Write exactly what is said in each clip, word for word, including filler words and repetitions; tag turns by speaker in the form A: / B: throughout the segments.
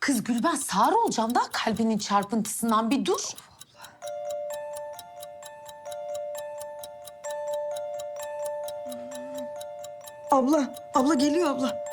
A: Kız Gülben sağır olacağım da kalbinin çarpıntısından bir dur.
B: Abla, abla geliyor abla.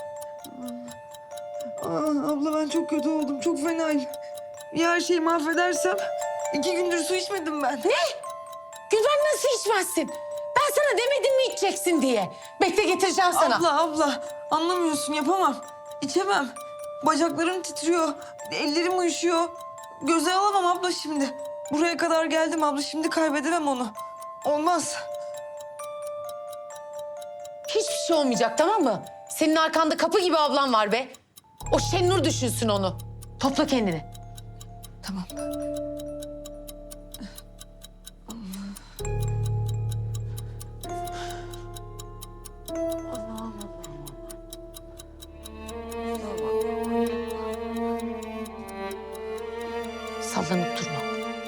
B: Aa, abla ben çok kötü oldum, çok fenayım. Ya her şeyi mahvedersem iki gündür su içmedim ben.
A: Ne? Gülben nasıl içmezsin? Ben sana demedim mi içeceksin diye. Bekle getireceğim sana.
B: Abla, abla anlamıyorsun yapamam. İçemem. Bacaklarım titriyor, ellerim uyuşuyor. Göze alamam abla şimdi. Buraya kadar geldim abla, şimdi kaybedemem onu. Olmaz.
A: Hiçbir şey olmayacak, tamam mı? Senin arkanda kapı gibi ablan var be. O Şenur düşünsün onu. Topla kendini.
B: Tamam.
A: Sallanıp durma.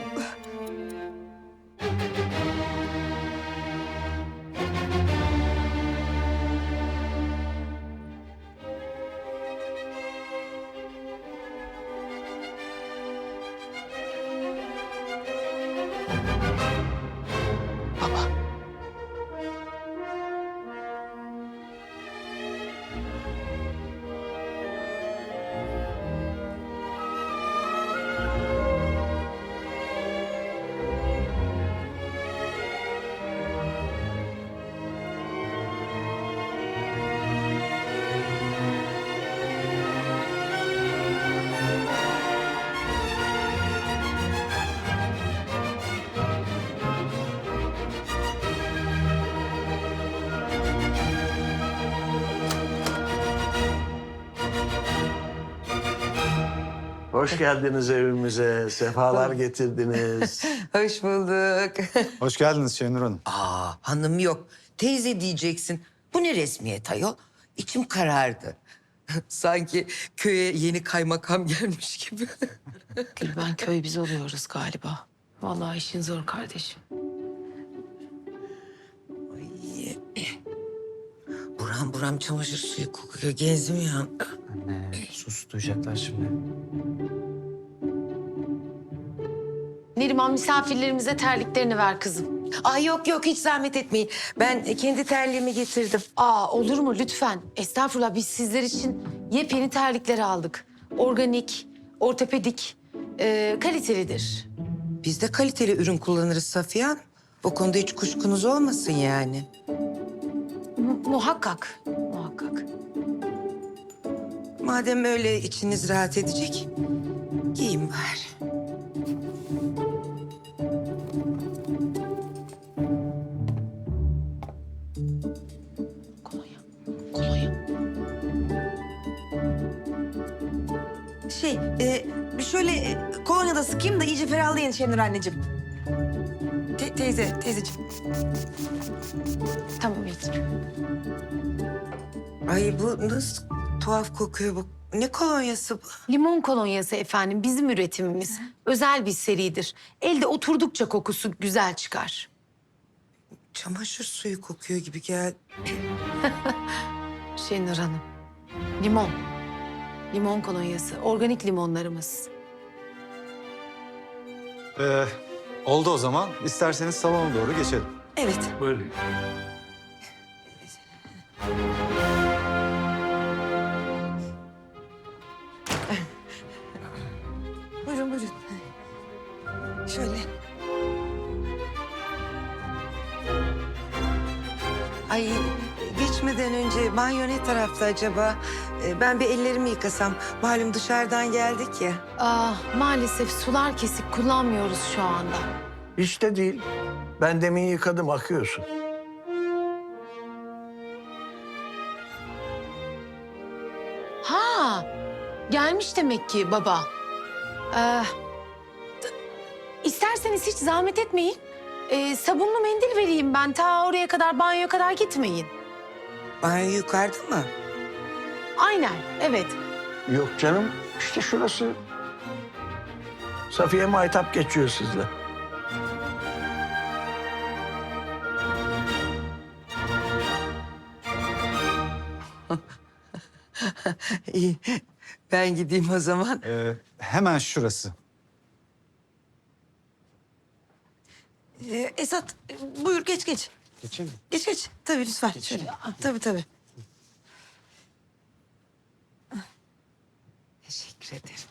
A: Baba.
C: Hoş geldiniz evimize. Sefalar getirdiniz.
B: Hoş bulduk.
D: Hoş geldiniz Şenur Hanım.
E: Aa, hanım yok. Teyze diyeceksin. Bu ne resmiyet ayol? İçim karardı. Sanki köye yeni kaymakam gelmiş gibi.
A: Gülben köy biz oluyoruz galiba. Vallahi işin zor kardeşim.
E: Ay, buram buram çamaşır suyu kokuyor. Gezmiyor.
F: Anne sus duyacaklar şimdi.
A: Neriman misafirlerimize terliklerini ver kızım.
E: Ay yok yok hiç zahmet etmeyin. Ben kendi terliğimi getirdim.
A: Aa olur mu lütfen? Estağfurullah, biz sizler için yepyeni terlikleri aldık. Organik, ortopedik, e, kalitelidir.
E: Biz de kaliteli ürün kullanırız Safiye Hanım. O konuda hiç kuşkunuz olmasın yani.
A: Mu- muhakkak, muhakkak.
E: Madem öyle içiniz rahat edecek, giyin bari.
A: Kolonya, kolonya.
B: Şey, e, bir şöyle e, kolonya da sıkayım da iyice ferahlayın Şenur anneciğim. Te- teyze, teyzeciğim.
A: Tamam iyi.
E: Ay bu nasıl tuhaf kokuyor bu. Ne kolonyası bu?
A: Limon kolonyası efendim, bizim üretimimiz. Özel bir seridir. Elde oturdukça kokusu güzel çıkar.
E: Çamaşır suyu kokuyor gibi geldi.
A: Şenur Hanım, limon. Limon kolonyası, organik limonlarımız.
D: Ee, oldu o zaman. İsterseniz salona doğru geçelim.
B: Evet.
C: Buyurun.
B: Buyurun, buyurun. Şöyle.
E: Ay geçmeden önce banyo ne tarafta acaba? Ee, Ben bir ellerimi yıkasam. Malum dışarıdan geldik ya.
A: Ah, maalesef sular kesik, kullanmıyoruz şu anda.
C: Hiç de değil. Ben demin yıkadım, akıyorsun.
A: Ha, gelmiş demek ki baba. Ee, t- isterseniz hiç zahmet etmeyin. Ee, sabunlu mendil vereyim ben. Ta oraya kadar, banyoya kadar gitmeyin.
E: Banyo yukarıda mı?
A: Aynen, evet.
C: Yok canım, işte şurası. Safiye Maytap geçiyor sizle.
E: İyi. Ben gideyim o zaman.
D: Ee, hemen şurası.
B: Ee, Esat e, buyur geç geç.
F: Geçeyim mi?
B: Geç geç. Tabii lütfen. Şöyle. Tabii tabii.
E: Teşekkür ederim.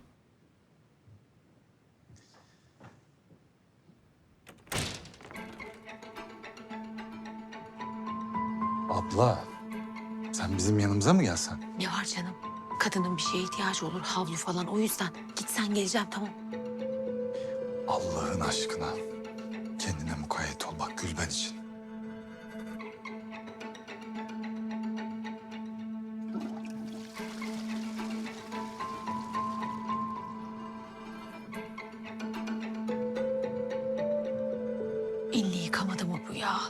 D: Abla, sen bizim yanımıza mı gelsen?
A: Ne var canım? Kadının bir şeye ihtiyacı olur, havlu falan. O yüzden gitsen geleceğim, tamam.
D: Allah'ın aşkına. Kendine mukayyet ol bak Gülben için.
A: Elini yıkamadı mı bu ya?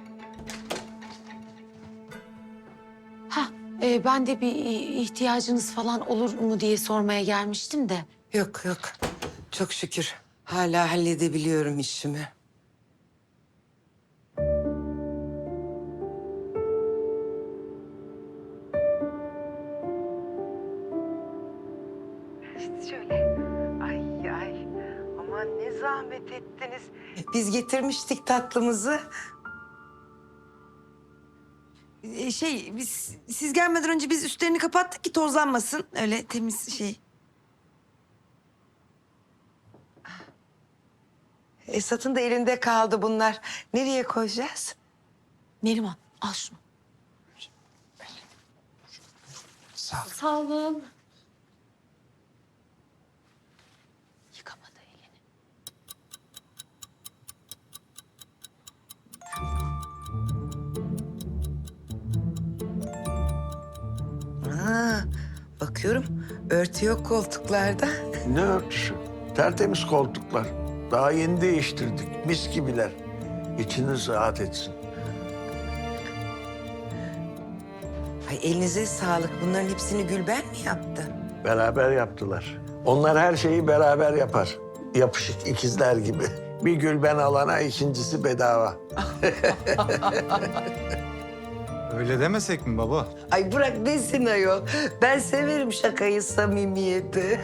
A: Ha, e, ben de bir ihtiyacınız falan olur mu diye sormaya gelmiştim de.
E: Yok yok. Çok şükür. Hala halledebiliyorum işimi. Şöyle. Ay ay. Aman ne zahmet ettiniz. Biz getirmiştik tatlımızı.
B: Ee, şey biz siz gelmeden önce biz üstlerini kapattık ki tozlanmasın. Öyle temiz şey.
E: Esat'ın da elinde kaldı bunlar. Nereye koyacağız?
A: Neriman, al şunu.
D: Sağ ol.
A: Sağ olun. Yıkamadı elini.
E: Aa, bakıyorum örtü yok koltuklarda.
C: Ne örtüsü? Tertemiz koltuklar. Daha yeni değiştirdik. Mis gibiler. İçiniz rahat etsin.
E: Ay elinize sağlık. Bunların hepsini Gülben mi yaptı?
C: Beraber yaptılar. Onlar her şeyi beraber yapar. Yapışık ikizler gibi. Bir Gülben alana ikincisi bedava.
D: Öyle demesek mi baba?
E: Ay bırak desin ayol. Ben severim şakayı, samimiyeti.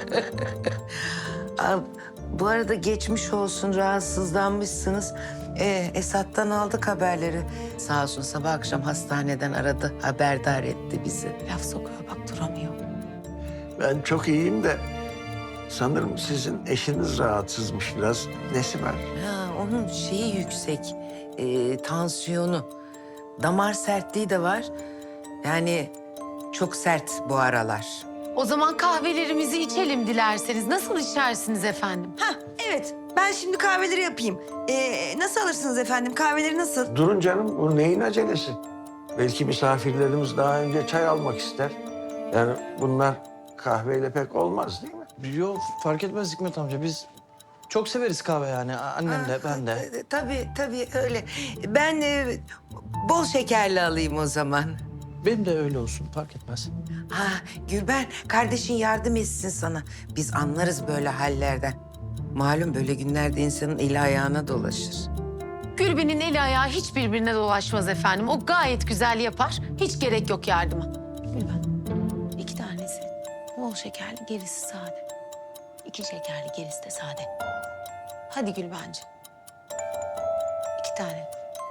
E: Aa, bu arada geçmiş olsun, rahatsızlanmışsınız. Ee, Esat'tan aldık haberleri. Sağ olsun sabah akşam hastaneden aradı, haberdar etti bizi.
A: Laf sokuyor bak, duramıyor.
C: Ben çok iyiyim de sanırım sizin eşiniz rahatsızmış biraz. Nesi var?
E: Ha, onun şeyi yüksek, ee, tansiyonu. Damar sertliği de var. Yani çok sert bu aralar.
A: O zaman kahvelerimizi içelim dilerseniz. Nasıl içersiniz efendim?
B: Ha evet ben şimdi kahveleri yapayım. Ee, nasıl alırsınız efendim? Kahveleri nasıl?
C: Durun canım, bu neyin acelesi? Belki misafirlerimiz daha önce çay almak ister. Yani bunlar kahveyle pek olmaz değil mi?
F: Yok fark etmez Hikmet amca. Biz çok severiz kahve yani. Annem de ben de.
E: Ee, Tabii tabii öyle. Ben e, bol şekerli alayım o zaman.
F: Benim de öyle olsun fark etmez.
E: Ha Gülben, kardeşin yardım etsin sana. Biz anlarız böyle hallerden. Malum böyle günlerde insanın eli ayağına dolaşır.
A: Gülben'in eli ayağı hiç birbirine dolaşmaz efendim. O gayet güzel yapar. Hiç gerek yok yardıma. Gülben, iki tanesi bol şekerli, gerisi sade. İki şekerli, gerisi de sade. Hadi Gülbenciğim. İki tane.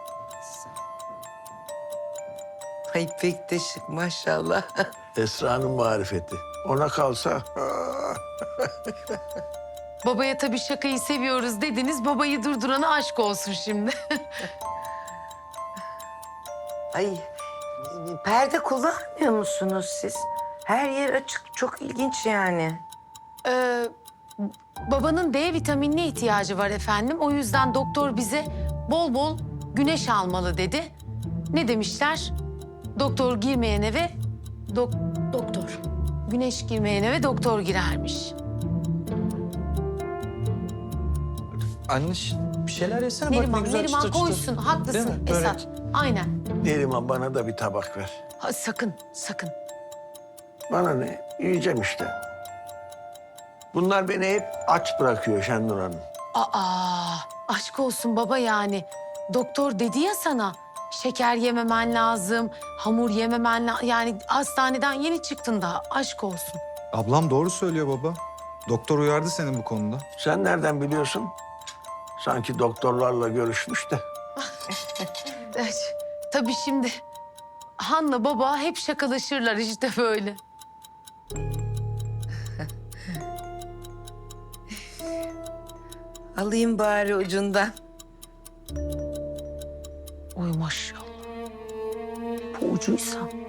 E: Ay pek de şık maşallah.
C: Esra'nın marifeti. Ona kalsa...
A: Babaya tabii şakayı seviyoruz dediniz. Babayı durdurana aşk olsun şimdi.
E: Ay perde kullanmıyor musunuz siz? Her yer açık, çok ilginç yani.
A: Ee, babanın D vitaminine ihtiyacı var efendim. O yüzden doktor bize bol bol güneş almalı dedi. Ne demişler? Doktor girmeyen eve dok doktor. Güneş girmeyen eve doktor girermiş.
F: Anne ş- bir şeyler yesene bak ne
A: Neriman,
F: güzel
A: Neriman
F: çıtır çıtır.
A: koysun.
F: Değil
A: Haklısın
F: mi? Börek.
A: Esat. Aynen.
C: Neriman bana da bir tabak ver.
A: Ha, sakın, sakın.
C: Bana ne? Yiyeceğim işte. Bunlar beni hep aç bırakıyor Şenur Hanım.
A: Aa, aşk olsun baba yani. Doktor dedi ya sana, Şeker yememen lazım, hamur yememen lazım. Yani hastaneden yeni çıktın daha, aşk olsun.
D: Ablam doğru söylüyor baba. Doktor uyardı seni bu konuda.
C: Sen nereden biliyorsun? Sanki doktorlarla görüşmüş de.
A: Evet, tabii şimdi Han'la baba hep şakalaşırlar işte böyle.
E: Alayım bari ucundan.
A: Oy maşallah. Bu ucuysa.